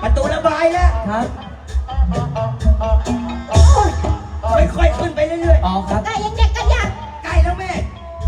ประตูระบายแล้วครับค่อยๆขึ้นไปเรื่อยๆอ๋อครับไก่ยังเด็กกันยังใกล้แล้วแม่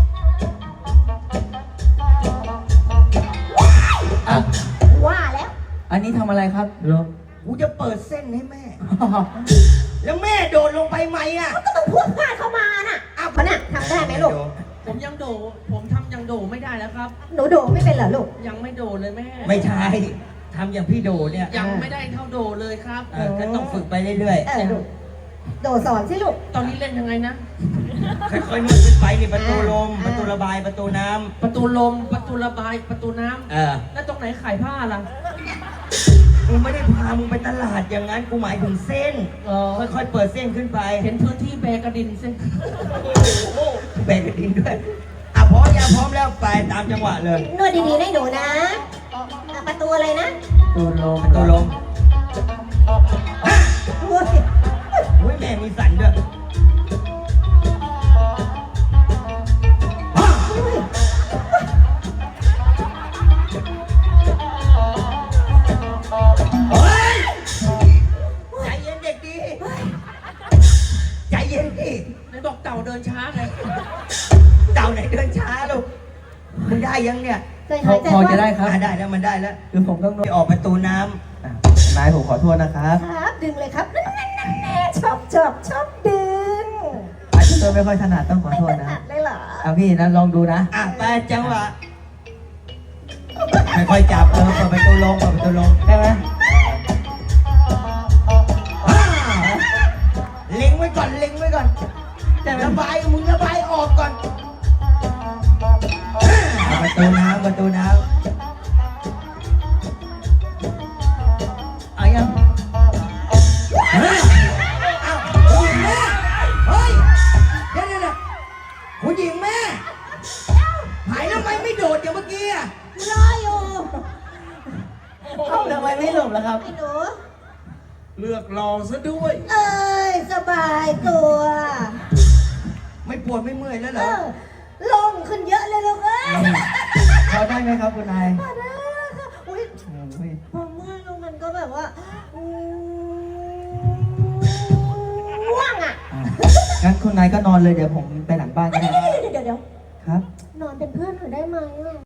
อ่ะว่าแล้วอันนี้ทำอะไรครับลุงกูจะเปิดเส้นให้แม่ แล้วแม่โดดลงไปไหมอ่ะก็ต้องพูดพลาดเข้ามาน่ะอ้าวน่ะทำได้ไหมลูกผมยังโดผมทำยังโดไม่ได้แล้วครับหนูโดไม่เป็นเหรอลูกยังไม่โดเลยแม่ไม่ใช่ทำอย่างพี่โดเนี่ยยังไม่ได้เท่าโดเลยครับก็ต้องฝึกไปเรื่อยลูกโดสอนสิลูกตอนนี้เล่นยังไงนะๆ ค่อยๆนวดขึ้นไปนี่ประตูลม ประตูระบาย ประตูน้ำประตูลม ประตูระบาย ประตูน้ำ แล้วตรงไหนขายผ้าล่ะกูไม่ได้พามึงไปตลาดอย่างนั้น กูหมายถึงเส้น ค่อยๆ เปิดเส้นขึ้นไปเห็นพื้นที่แบกระดินเส้นแบกกระดิ่งด้วยพร้อมยังพร้อมแล้วไปตามจังหวะเลยนวดดีๆให้หนูนะประตูอะไรนะตูลมประตูลมโอ้ยอุ้ยแม่มีสันด้วยเฮ้ยใจเย็นเด็กดีใจเย็นดิไหนบอกเต่าเดินช้าไงเต่าไหนเดินช้าลูกมึงได้ยังเนี่ยเคยหายใจพอว่าจะได้ครับได้แล้วมันได้แล้วคือผมต้องไปออกประตูน้อ่ะนายผมขอโทษนะครับครับดึงเลยครับนั่นชอบดึงอาจจะไม่ค่อยถนัดต้องขอโทษไม่นะถนัดเลยเหรอเอาพี่นะลองดูนะไปจังหวะค่อยๆจับเปิดประตูลงเปิดประตูลงได้ไหมเล็งไว้ก่อนเล็งไว้ก่อนระบายมึงระบายออกก่อนประตูน้ำประตูน้ำเอายังเฮ้ยคุณหญิงแม่เฮ้ยเดี๋ยวคุณหญิงแม่หายแล้วทำไมไม่โดดอย่างเมื่อกี้อ่ะรออยู่เอ้าทำไมไม่หลบล่ะครับไอ้หนูเลือกรองซะด้วยเอ้ยสบายตัวไม่ปวดไม่เมื่อยแล้วเหรเอออลงขึ้นเยอะเลยลูกเอ้ยพอได้ไหมครับคุณนายมาได้ค่ะอุ้ยอุ้ยพอเมื่อยลงมันก็แบบว่าง่วงอ่ะงั้นคุณนายก็นอนเลยเดี๋ยวผมไปหลังบ้านก็ได้เดี๋ยวครับนอนเป็นเพื่อนหนูได้ไหมอ่ะ